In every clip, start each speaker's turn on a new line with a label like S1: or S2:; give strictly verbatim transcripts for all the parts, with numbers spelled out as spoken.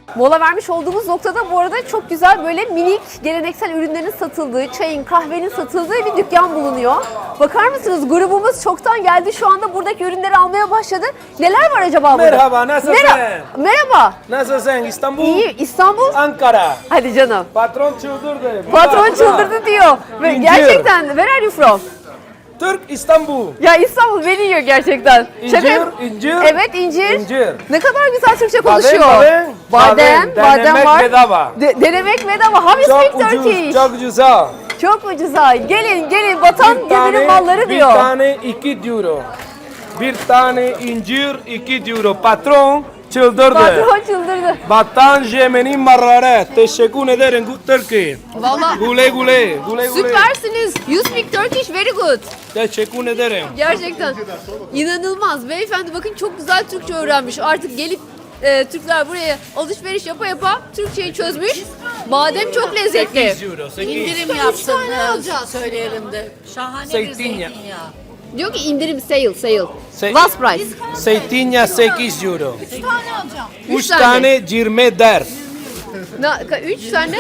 S1: Mola vermiş olduğumuz noktada bu arada çok güzel böyle minik geleneksel ürünlerin satıldığı, çayın, kahvenin satıldığı bir dükkan bulunuyor. Bakar mısınız? Grubumuz çoktan geldi. Şu anda buradaki ürünleri almaya başladı. Neler var acaba burada?
S2: Merhaba, nasılsın?
S1: Merhaba. Merhaba.
S2: Nasılsın? İstanbul?
S1: İyi. İstanbul?
S2: Ankara.
S1: Hadi canım.
S2: Patron çıldırdı.
S1: Patron çıldırdı diyor. Ve
S2: İncir.
S1: gerçekten. Where are you from?
S2: Türk İstanbul.
S1: Ya İstanbul beni yiyor gerçekten.
S2: İncir,
S1: Şaka-
S2: incir.
S1: Evet incir.
S2: İncir.
S1: Ne kadar güzel Türkçe
S2: Badem,
S1: konuşuyor.
S2: badem.
S1: Badem,
S2: Badem,
S1: badem
S2: denemek
S1: var.
S2: bedava.
S1: De- denemek bedava. How you speak
S2: Çok ucuz,
S1: Turkish?
S2: çok güzel.
S1: Çok ucuza. Gelin gelin vatan geminin malları
S2: bir
S1: diyor.
S2: tane iki euro. Bir tane incir iki euro. Patron çıldırdı.
S1: Patron çıldırdı.
S2: Vatan geminin malları. Teşekkür ederim. Good Turkey.
S1: Valla
S2: Gule gule. Gule gule.
S1: süpersiniz. You speak Turkish very good.
S2: Teşekkür ederim.
S1: Gerçekten. İnanılmaz. Beyefendi bakın çok güzel Türkçe öğrenmiş. Artık gelip e, Türkler buraya alışveriş yapa yapa Türkçeyi çözmüş. Badem çok lezzetli.
S2: sekiz euro. sekiz.
S3: İndirim yapsın söyleyelim de. Şahane bir
S2: Zeytinyağı.
S3: zeytinyağı.
S1: Diyor ki indirim sale sale.
S2: Se-
S1: Last price.
S2: Zeytinyağı sekiz euro.
S3: Üç tane alacağım.
S1: Üç
S2: Üç
S1: tane.
S2: tane yirmi dört.
S1: Ne, ka- üç tane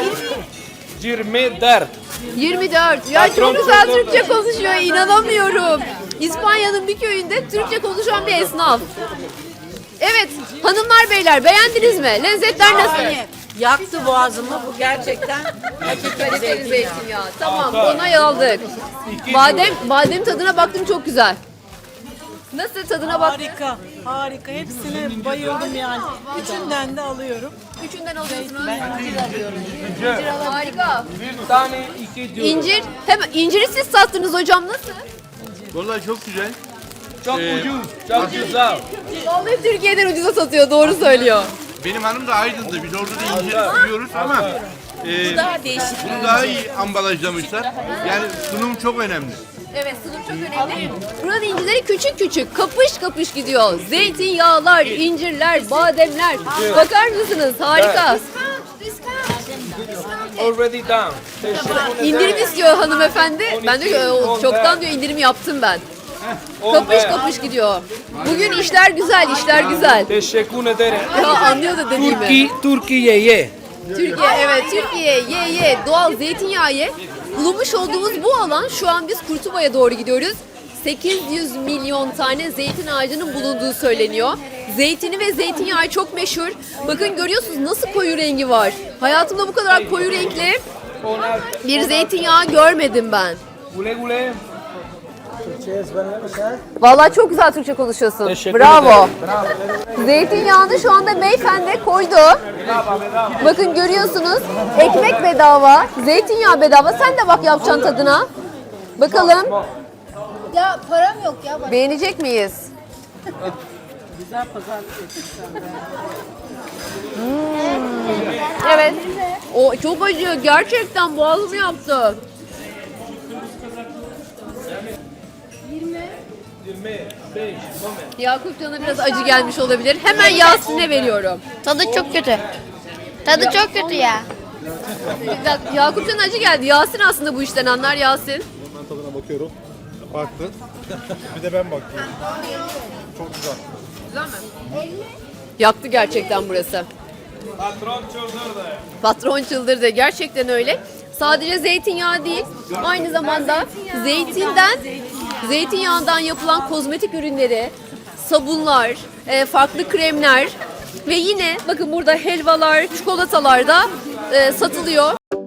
S2: yirmi dört.
S1: yirmi dört. Ya
S2: Patron
S1: çok güzel
S2: çıldırdı.
S1: Türkçe konuşuyor. İnanamıyorum. İspanya'nın bir köyünde Türkçe konuşan bir esnaf. Evet hanımlar beyler beğendiniz mi? Lezzetler nasıl?
S3: Şahane. Yaktı boğazımı bu gerçekten. Hakikaten
S1: Kaliteli
S3: zeytinyağı.
S1: zeytinyağı. Tamam onay aldık.
S2: İki
S1: Badem, badem tadına baktım çok güzel. Nasıl tadına bak?
S4: Harika, harika. Hepsine bayıldım yani. Üçünden de alıyorum.
S1: Üçünden alıyorsunuz.
S2: incir.
S1: Harika.
S2: Bir tane iki euro.
S1: İncir, hemen inciri siz sattınız hocam nasıl?
S5: Vallahi çok güzel.
S2: Çok
S5: Ee,
S2: ucuz. Çok güzel.
S1: Vallahi Türkiye'den ucuza satıyor doğru söylüyor.
S5: Benim hanım da Aydın'da. Biz orada da incir yiyoruz ama e,
S3: Daha değişik.
S5: bunu daha iyi ambalajlamışlar. Yani sunum çok önemli.
S1: Evet sunum çok önemli. Buranın incirleri küçük küçük kapış kapış gidiyor. Zeytinyağlar, incirler, bademler. Bakar mısınız? Harika.
S2: Already done. Teşekkür ederim.
S1: İndirim istiyor hanımefendi. Ben de "O, çoktan diyor indirim yaptım ben. Kapış kapış gidiyor. Bugün işler güzel, işler güzel.
S2: Teşekkür ederim.
S1: Ya anlıyor da dediğimi.
S2: Türkiye, Türkiye'ye.
S1: Türkiye evet Türkiye ye ye doğal zeytinyağı ye. Bulunmuş olduğumuz bu alan şu an biz Kurtuba'ya doğru gidiyoruz. sekiz yüz milyon tane zeytin ağacının bulunduğu söyleniyor. Zeytini ve zeytinyağı çok meşhur. Bakın görüyorsunuz nasıl koyu rengi var. Hayatımda bu kadar koyu renkli bir zeytinyağı görmedim ben.
S2: Gule gule.
S1: Vallahi çok güzel Türkçe konuşuyorsun.
S2: Teşekkür
S1: Bravo.
S2: ederim.
S1: Zeytinyağını şu anda beyefendi koydu. Bakın görüyorsunuz ekmek bedava, zeytinyağı bedava. Sen de bak yapacaksın tadına. Bakalım
S3: Ya param yok ya.
S1: beğenecek miyiz? Hmm. Evet. O çok acı. Gerçekten boğazımı yaptı. Yakup Can'a biraz acı gelmiş olabilir. Hemen Yasin'e veriyorum.
S6: Tadı çok kötü. Tadı çok kötü ya.
S1: Yakup Can'a acı geldi. Yasin aslında bu işten anlar Yasin.
S7: Ben tadına bakıyorum. Farklı. Bir de ben bakıyorum. Çok güzel.
S1: Güzel mi? Yaktı gerçekten burası.
S2: Patron çıldırdı.
S1: Patron çıldırdı. Gerçekten öyle. Sadece zeytinyağı değil, aynı zamanda zeytinden, zeytinyağından yapılan kozmetik ürünleri, sabunlar, e, farklı kremler ve yine bakın burada helvalar, çikolatalar da e, satılıyor.